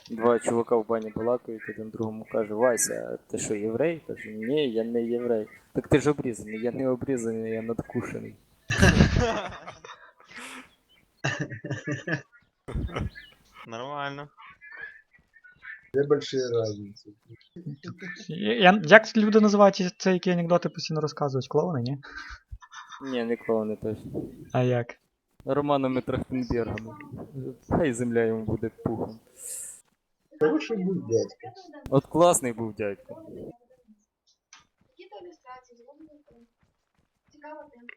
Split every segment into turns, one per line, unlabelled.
Два чувака в бані балакають, один другому каже: Вася, ти що, єврей? Каже, ні, я не єврей. Так ти ж обрізаний, я не обрізаний, я надкушений.
Нормально.
Две большие разницы.
Як люди називають це, які анекдоти постійно розказують? Клоуни, ні?
Ні, не клоуни точно.
А як?
Романами Трахтенбергами. Хай земля йому буде пухом.
Хороший был дядька.
От класний був дядько.
Які-то ілюстрації, зроблені цікава тема.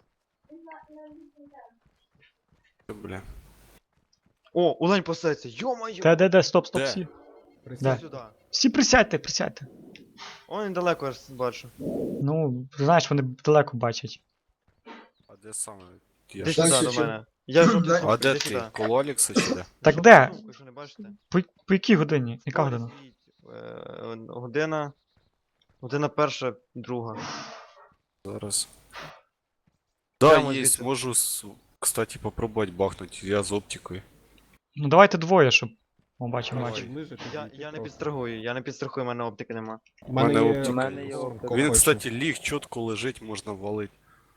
Бля.
О, улань пасеться, йо-моє!
Де, стоп,
Де?
всі.
Присядь
Да.
сюди.
Всі присядьте.
О, недалеко аж бачу.
Ну, знаєш, вони далеко бачать.
А де саме? Я
Іди
ж-
сюди
Дальше
до
чим?
мене. Я жовтий
А
сумку,
А де
іди
ти?
сюди.
Коло Олікса чи де?
Так
Жовту
де?
сумку, що не бачите?
По якій годині? Яка
Ось
година?
стоїть, Година. Година перша, друга.
Зараз.
Прямо
Да,
звідси.
есть, можу, кстати, попробовать бахнуть. Я з оптикою.
Ну давайте двоє, щоб. О, бачимо,
Давай.
бачимо.
Я не підстрахую, в мене оптики нема.
У мене оптика.
У мене є оптика.
Він, кстати, ліг чітко лежить, можна валить.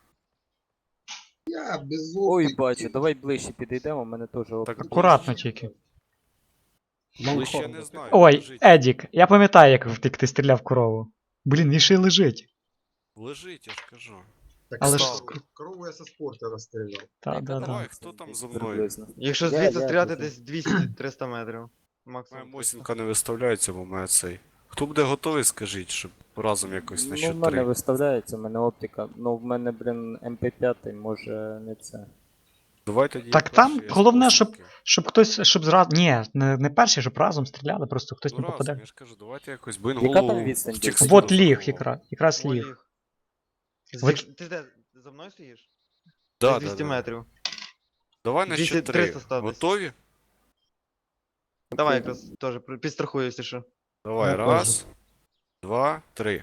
Я без
Ой,
опыта.
бачу, давай ближче підійдемо, у мене теж оптика.
Акуратно тільки.
Ближче я не знаю.
Ой,
лежить.
Едік, я пам'ятаю, як ти стріляв корову. Блін, він ще й лежить.
Лежить, я ж кажу.
Так
Але
стал.
ж
Корову я со спорта расстрелял.
Так, да.
Давай, хто там за мною?
Приблизно.
Якщо
Я-
звідси
я
стріляти
тут.
десь 200-300 метрів.
Моя
Максимум.
Мосінка не виставляється, бо мене цей. Хто буде готовий, скажіть, щоб разом якось на
Ну, в
счет
мене
3.
виставляється, в мене оптика. Ну, в мене, блін, МП5, може не це.
Давай тоді.
Так
я
там
перший, я з
головне,
Мосінки.
Щоб хтось, щоб зразу. Ні, не перший, щоб разом стріляли, просто хтось
Ну
не
разом,
попаде.
я ж кажу, давайте якось, бо він
Яка там
голову
відстань
в
десь?
текстуру
Вот ліг,
заховав.
якраз
О,
ліг.
ліг.
Ви-
Ти де? За мною стоїш?
Да,
Десь
да,
200
да.
метрів.
Давай на
200,
счет 3.
300 став десь.
Готові?
Давай якраз теж підстрахую, якщо що.
Давай,
Я
раз, два, три.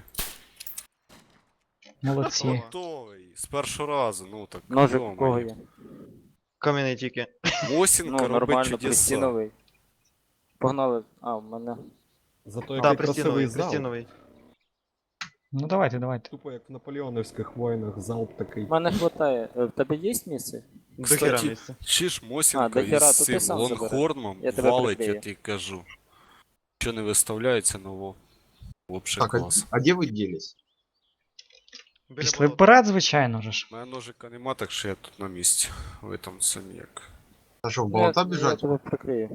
Молодці.
Готовий. З першого разу, ну так.
Ножик у
йо-моє.
кого є?
Кам'яний тільки.
Мосінка
Ну,
робить
нормально,
чудеса.
пристіновий. Погнали. А, в мене.
Зато
Так,
який
пристіновий,
красивий зал.
пристіновий.
Ну давайте.
Тупо як в наполеонівських воїнах залп такий.
В мене хватає. В тебе є місце?
До хера
Кстати,
місця.
Чи ж
А,
Мосінка
дохера,
із
то ти
цим
сам забери.
лонгхорном
Я тебе
валить,
прикрию.
я тобі кажу. Що не виставляється, ну вообще
Так,
клас.
а где вы делись?
Біля
Пішли
болота.
вперед, звичайно ж.
У мене ножика нема, так що я тут на місці. Ви там самі як.
А что, в болота
Я
бежать?
тебе прикрию.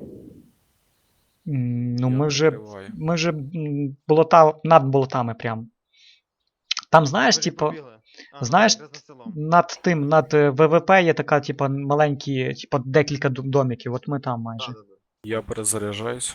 Ну
Я
ми вже.
прикриваю.
Ми вже болота над болотами прям. Там, знаєш,
Ви
типу,
побігли? А,
знаєш,
якраз над селом.
над ВВП є така, типу, маленькі, типу, декілька домиків. От ми там майже.
Да, да, да.
Я перезаряджаюсь.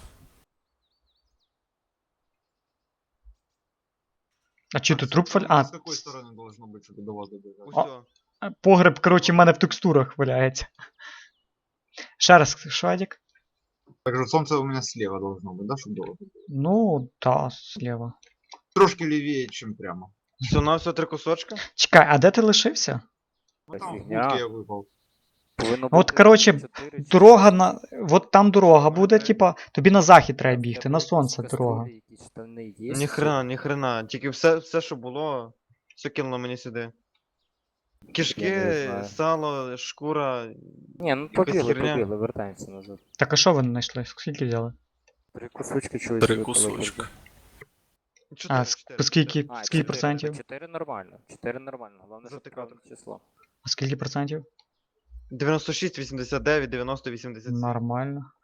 А чи
Так,
тут труп
собственно,
А,
С какой стороны должно быть, чтобы до вас добежать?
Усьо.
погреб, коротше, в мене в текстурах валяється. Ще раз, Шадік.
Так же солнце у меня слева должно быть, да, чтобы до вас добежать?
Ну, та, зліва.
Трошки левее, чем прямо.
Все на все 3 кусочка.
Чекай, а де ти лишився?
Ну там в
Фигня.
будке я выпал.
Повинно
От,
бути
коротше,
4 чи
Дорога на. От там дорога буде, типа, тобі на захід треба бігти, на сонце дорога.
Ніхрена. Тільки все, що було, все кинуло мені сюди.
Я не
Кишки,
знаю.
сало, шкура.
Ні, ну
Якась
побігли,
херня.
вертаємося назад.
Так а що ви знайшли? Скільки взяли?
3 кусочки чогось.
3
випало,
кусочка.
кажу.
А,
Чотири.
скільки
А,
скільки
4,
процентів?
4 нормально. 4 нормально. Головне, щоб
Затикати.
правильне число.
А скільки процентів?
96, 89, 90, 80.
Нормально.